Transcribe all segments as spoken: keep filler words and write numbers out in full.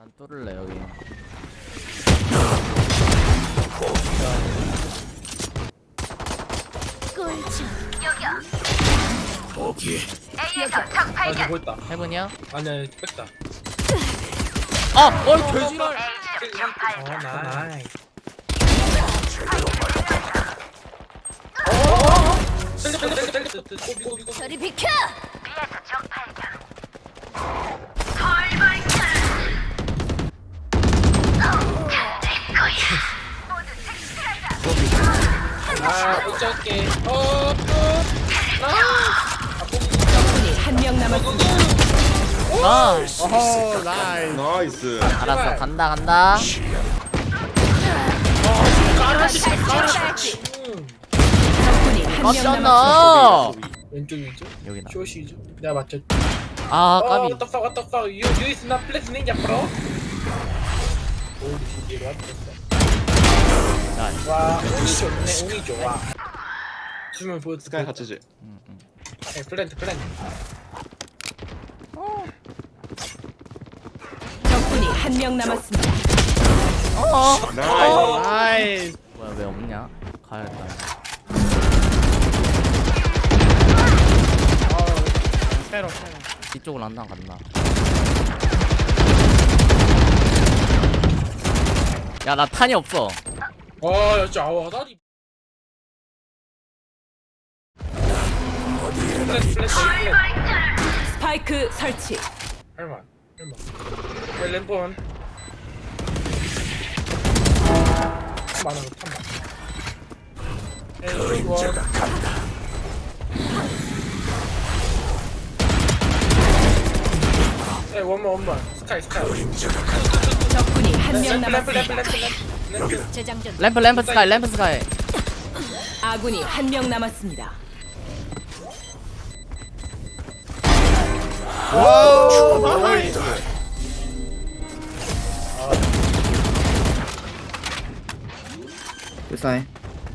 난 뚫을래 여기. 꿀잠. 아 저거 있다. 해븐이야? 아니야 뺐다. 아! 어이 돼지랄! 어 나이. 저리 비켜. 아 어쩔게. 어. 적군이 한 명 남았습니다. 아! 어허 나이스. 나이스. 알았어 간다 간다. 적군이 한 명 남았습니다. 맞잖아! 왼쪽 왼쪽. 여기 나. 쇼시죠. 내가 맞췄. 아 어, 까비. what the fuck, what the fuck? You, you is not playing ninja, bro. Holy shit, 얘가 왔다. 나이스. 와, 운이 좋네, 운이 좋아. 수면 보여. 스카이 같이지. 응, 응. 네, 플랜트, 플랜트. 적군이 한 명 남았습니다. 어! 나이스. 나이스. 뭐야 왜 없냐? 가야겠다. 새로 새로. 이쪽으로 안 나간다. 야 나 탄이 없어. 아, 야, 진짜 아와 다리. 플랜트, 플랜트, 플랜트. 스파이크 설치. 할만, 할만. 왜 램폰? 많아, 탐만. 그림자가 간다. 에 원만 원만 스카이 스카이. 적군이 한 명 램프 램프 램프 남았습니다. 램프 램프. 재장전. 램프 램프 스카이 램프 스카이. 아군이 한 명 남았습니다. 와우 나이스. 불쌍해.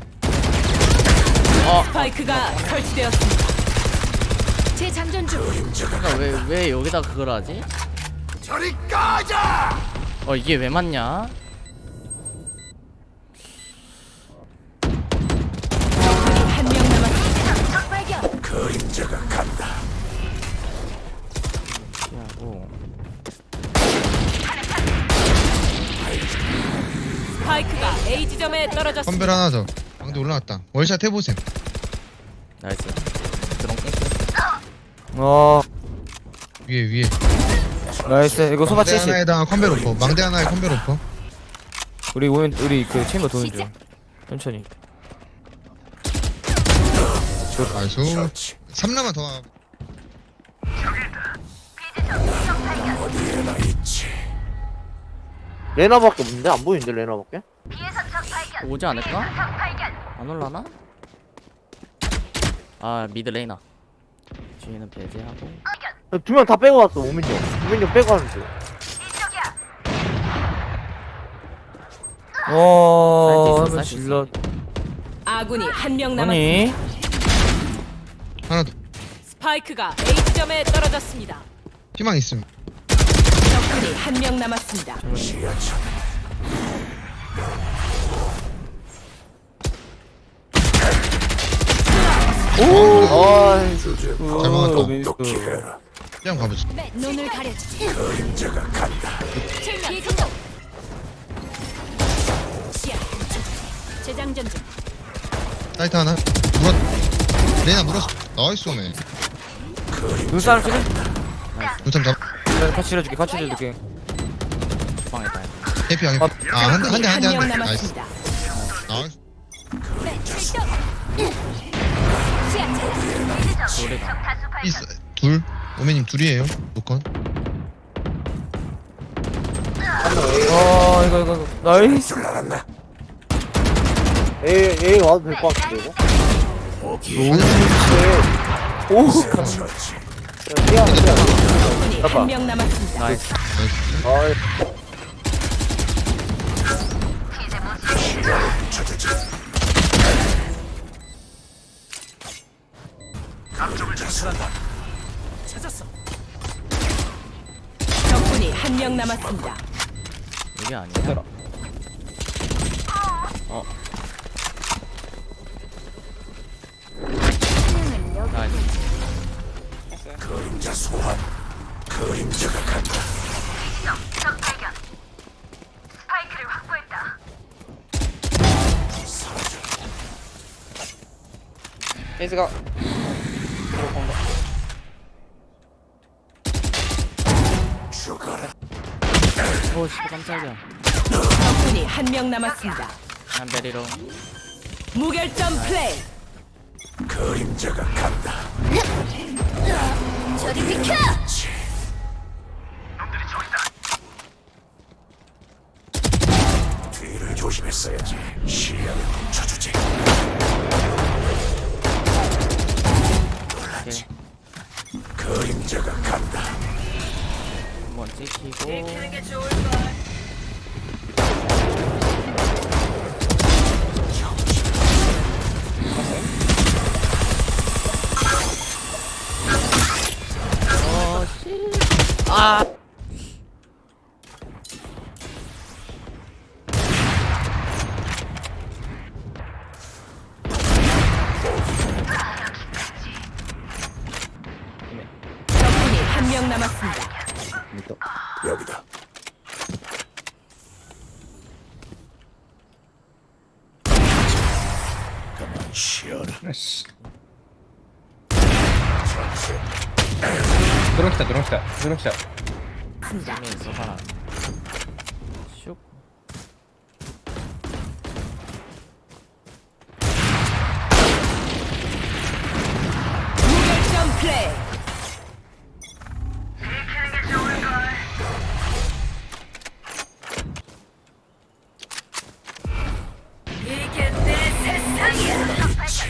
스파이크가 설치되었습니다. 재장전 중. 그러니까 왜 왜 여기다 그걸 하지? 저리 꺼져! 어 이게 왜 맞냐? 적군이 한 명 남았습니다. 적발견. 하고 스파이크가 A 지점에 떨어졌습니다. 컴벨 하나 더. 방대 올라왔다. 월샷 해보셈. 나이스. 드론 깼어. 어 위에 위에. 나이스. 이거 소바 망대 칠십. 하나에다가 컴벨 오퍼. 망대 하나에 컴벨 오퍼. 우리 오면 우리 그 챔버 도는 중. 천천히. 나이스. 삼 라만 더. 와. 레나밖에 없는데 안 보이는데 레나밖에? 오지 않을까? 안 올라나? 아 미드 레이나. 뒤에는 배제하고. 두 명 다 빼고 왔어. 오민이 형. 오민이 형 빼고 하는데. 어. 사이트 있어, 사이트 질러. 아군이 한 명 남았습니다. 아니. 하나 더. 스파이크가 A 지점에 떨어졌습니다. 희망 있음. 적군이 한 명 남았습니다. 오. 아. 잘 막았다. 미스. 그냥 가보자. 눈을 가려주지. 그림자가 간다. 필명 성공. 시야. 재장전 중. 사이트 하나. 물었. 레나 물었어. 나이스 오네. 눈사람 치네? 눈참 잡. 내가 같이 치러줄게. 같이 치러줄게. 방했다. 해피 하게. 아한 대 한 대 한 대 한 명 한 대. 나이스. 남았습니다. 나이스. 네, 출동. 시야 차단. 소리가. 있어. 둘. 오메님 둘이에요. 노컨. 어 이거 이거 이거. 나이스. 에이 에이 와도 될 것 같은데 이거. 오. 야, 적군이 한 명 남았습니다. 나이스. 아이. 적군이 한 명 남았습니다. 이게 아니야. 들어. 어. 나이스. 그림자 소환. 그림자가 간다. 에이스가 죽어라. 오, 씨, 깜짝이야. 적군이 한 명 남았습니다. 한베리로. 무결점 플레이. 그림자가 간다. 저리 비켜. 뒤를 조심했어야지. 시야를 멈춰주지. 놀랐지. 그림자가 간다. 한번 찍히고. 어, 씨. 아. 적군이 한 명 남았습니다. 여기다. 가만 쉬어라. 아씨. 전체 들어오시다 들어오시다 들어오시다. 힘이 있어, 사람. 슉. 무결점 플레이. 이게 내 세상이야.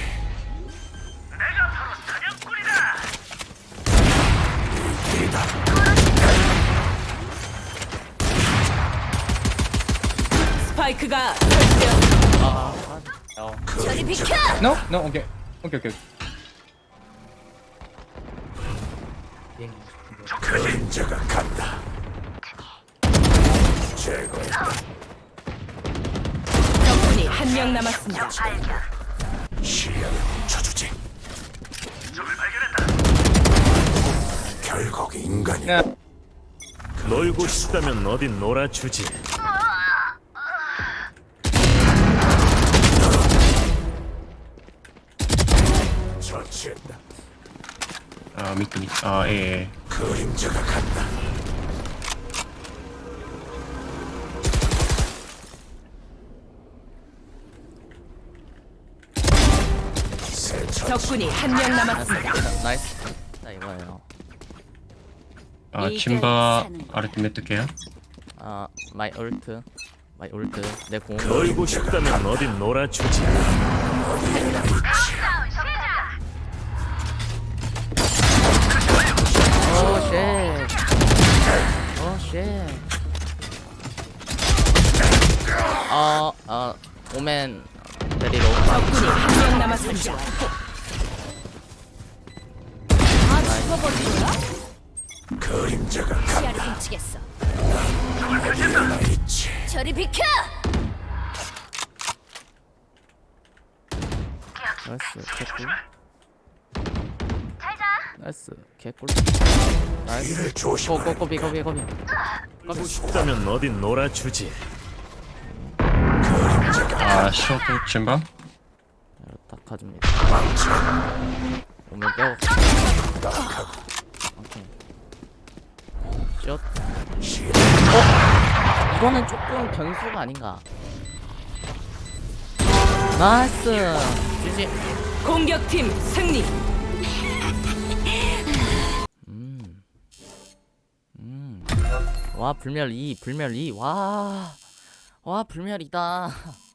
스파이크가 설치되었습니다. 저리 비켜. No no 오케이 오케이 오케이. 그림자가 간다. 제거했다. 적군이 한 명 남았습니다. 시야를 멈춰주지. 결국 인간이 야. 놀고 싶다면 어딘 놀아주지. 처치했다. 아 미트 미트. 아 예. 예. 그림자가 간다. 새 처치. 적군이 한 명 남았습니다. 나이스. 자, 이거예요. 아 침바 아래 몇 개야? 아, 마이 울트. 마이 울트. 내 공. 놀고 싶다면 어딘 놀아주지. 오, 쉣. 오, 쉣. 어, 어, 오멘 데리러. 적군이 한 명 남았습니다. 아, 죽어버린 거야? 그림자가 간다. 시야를 훔치겠어. 어디나 있지. 저리 비켜! 나이스, 개꿀. 나이스, 개꿀. 나이스. 뒤를 조심하라. 고고 고비 고비 고비. 놀고 싶다면 어딘 놀아주지. 아 쇼트 침바. 딱 가줍니다. 오면 빼고. 오케이. 슛. 어? 이거는 조금 변수가 아닌가. 나이스. 지지. 공격팀 승리. 음. 음. 와, 불멸 이, 불멸 이. 와. 와, 불멸 이다.